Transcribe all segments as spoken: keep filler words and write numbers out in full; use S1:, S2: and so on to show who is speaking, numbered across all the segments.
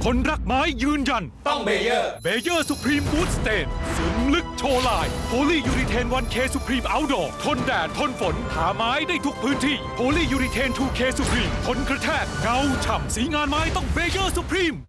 S1: คนรักไม้ยืนยัน
S2: ต้องเบเยอร์
S1: เบเยอร์สุพรีมบูทสเตนซึมลึกโชว์ลายโพลียูริเทน วันเค สุพรีมเอาท์ดอร์ทนแดดทนฝนหาไม้ได้ทุกพื้นที่โพลียูริเทน ทูเค สุพรีมทนกระแทกเงาฉ่ำสีงานไม้ต้องเบเยอร์สุพรีม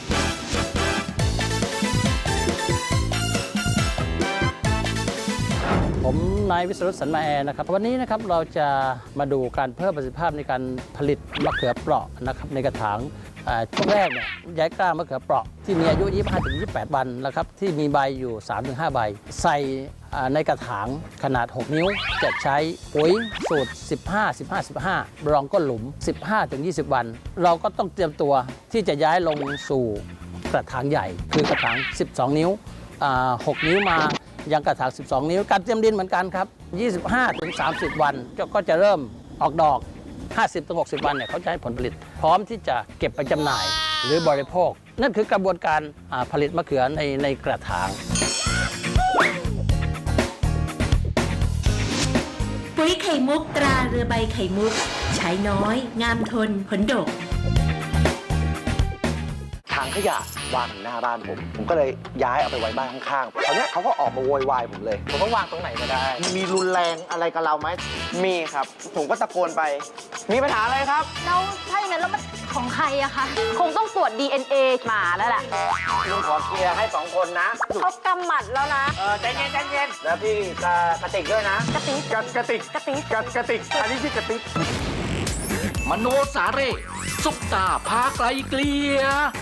S3: ผมนายวิศรุตสันมาแอนะครับวันนี้นะครับเราจะมาดูการเพิ่มประสิทธิภาพในการผลิตมะเขือเปราะนะครับในกระถางช่วงแรกเนี่ยย้ายกล้ามะเขือเปราะที่มีอายุ ยี่สิบห้าถึงยี่สิบแปด วันนะครับที่มีใบอยู่ สามถึงห้า ใบใส่ในกระถางขนาด หก นิ้วจะใช้ปุ๋ยสูตร สิบห้า สิบห้า สิบห้า รองก้นหลุม สิบห้าถึงยี่สิบ วัน เราก็ต้องเตรียมตัวที่จะย้ายลงสู่กระถางใหญ่คือกระถาง สิบสอง นิ้ว หก นิ้วมายังกระถาง สิบสอง นิ้วการเตรียมดินเหมือนกันครับ ยี่สิบห้าถึงสามสิบ วันก็จะเริ่มออกดอก ห้าสิบถึงหกสิบ วันเนี่ยเขาจะให้ผลผลิตพร้อมที่จะเก็บไปจำหน่ายหรือบริโภคนั่นคือกระบวนการผลิตมะเขือในในกระถาง
S4: ปุ๋ยไข่มุกตราเรือใบไข่มุกใช้น้อยงามทนผลดก
S5: ถังขยะวางอยู่หน้าบ้านผม ผมก็เลยย้ายเอาไปไว้บ้านข้างๆคราวนี้เขาก็ออกมาโวยวายผมเลย ผมต้องวางตรงไหนก็ได้ มีรุนแรงอะไรกับเราไหม มีครับ ผมก็ตะโกนไป มีปัญหาอะไรครับ
S6: แล้วถ้าอย่างนั้นแล้วมันของใครอะคะ คงต้องตรวจ ดี เอ็น เอ มาแล้วแหละ
S5: ลุงขอเคลียร์ให้สองคนนะ
S6: เขากำหมัดแล้วนะ
S5: เออใจเย็นใจเย็นแล้วพี่กระกระติกด้วยนะ
S6: กระติก
S5: กระกระติก
S6: กระติก
S5: กระกระติก อันนี้ชื่อกระติก
S2: มโนสาเร่ซุปตาพาไกลเกลีย